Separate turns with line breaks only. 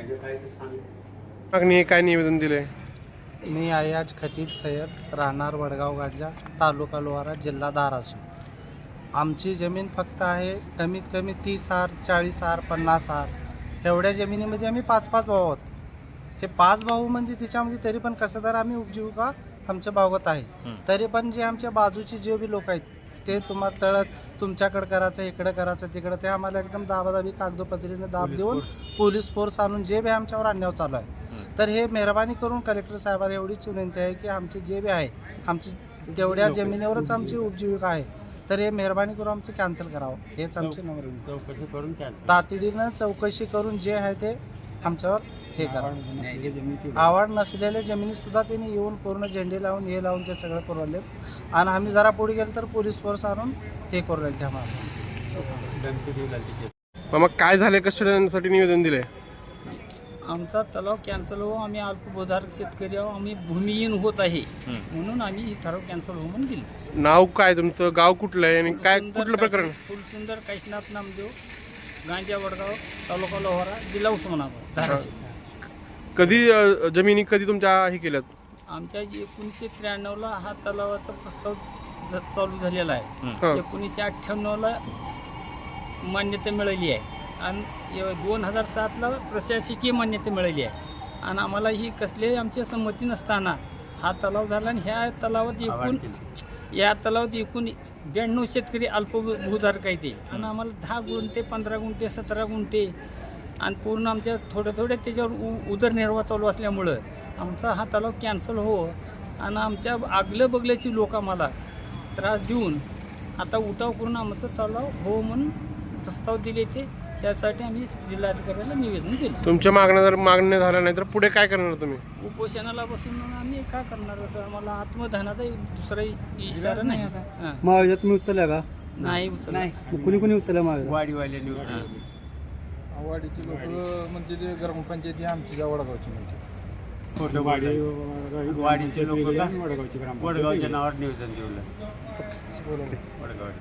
मागणी काय निवेदन दिले?
मी अयाज खतीब सय्यद, राहणार वडगाव गांजा, तालुका लोहारा, जिल्हा धाराशिव. आमची जमीन फक्त आहे कमीत कमी 30 आर, 40 आर, 50 आर एवढ्या जमिनीमध्ये आम्ही 5-5 भाऊ आहोत. हे 5 भाऊ म्हणजे त्याच्यामध्ये तरी पण कसं तर आम्ही उपजीविका आमच्या भागवत आहे. तरी पण जे आमच्या बाजूचे जे बी लोक आहेत ते तुम्हाला तळत तुमच्याकडं करायचं, इकडं करायचं, तिकडं, ते आम्हाला एकदम दाबादाबी कागदोपत्रीने दाब देऊन पोलीस फोर्स आणून जे बी आमच्यावर अन्याय चालू आहे. तर हे मेहरबानी करून कलेक्टर साहेबांना एवढीच विनंती आहे की आमचे जे बी आहे आमची तेवढ्या जमिनीवरच आमची उपजीविका आहे, तर हे मेहरबानी करून आमचं कॅन्सल करावं, हेच आमची नम्र विनंती.
चौकशी करून
तातडीनं चौकशी करून जे आहे ते आमच्यावर हे करावं. आवड नसलेल्या जमिनीत सुद्धा त्यांनी येऊन पूर्ण झेंडे लावून हे लावून ते सगळं करू राहिले. आणि आम्ही जरा पुढे गेलो तर पोलीस फोर्स आणून हे करू राहिले आम्हाला.
मग काय झाले, कशासाठी निवेदन दिले?
आमचा तलाव कॅन्सल हो, आम्ही अल्पभूधारक शेतकरी आहो, आम्ही भूमिहीन होत आहे म्हणून आम्ही ही ठराव कॅन्सल हो म्हणून दिली.
नाव काय तुमचं, गाव कुठलं आहे आणि काय कुठलं प्रकरण?
फुलसुंदर काशीनाथ नामदेव, गांजा वडगाव, तालुका लोहारा, जिल्हा उस्मानाबाद, धाराशिव.
कधी जमिनी कधी तुमच्या हे केल्यात?
आमच्या 1993ला हा तलावाचा प्रस्ताव चालू झालेला आहे. 1998ला मान्यता मिळाली आहे आणि 2007ला प्रशासकीय मान्यता मिळाली आहे. आणि आम्हाला ही कसली आमची संमती नसताना हा तलाव झाला आणि ह्या तलावात एकूण 92 शेतकरी अल्पभूधारक आहेत ते. आणि आम्हाला 10 गुंठे, 15 गुंठे, 17 गुंठे आणि पूर्ण आमच्या थोड्या त्याच्यावर उदरनिर्वाह चालू असल्यामुळं आमचा हा तलाव कॅन्सल हो. आणि आमच्या आगलं बगल्याची लोक आम्हाला त्रास देऊन आता उठाव करून आमचं तलाव हो म्हणून प्रस्ताव दिले ते. त्यासाठी आम्ही जिल्हाधिकाऱ्याला निवेदन दिलं.
तुमच्या मागण्या झाल्या नाही तर पुढे काय करणार तुम्ही?
उपोषणाला बसून आम्ही काय करणार होतो? आम्हाला आत्मधनाचा दुसरा इशारा नाही.
महाविद्यालयात तुम्ही उचलल्या का?
नाही उचलला.
कुणी कुणी उचलल्या महाविद्यालयात?
वाडीवाल्यांनी
वाडीची लोक म्हणजे ते ग्रामपंचायती आमची वडगावची म्हणते.
वाडीचे लोक वडगावच्या नावावर निवेदन दिलं. वडगाव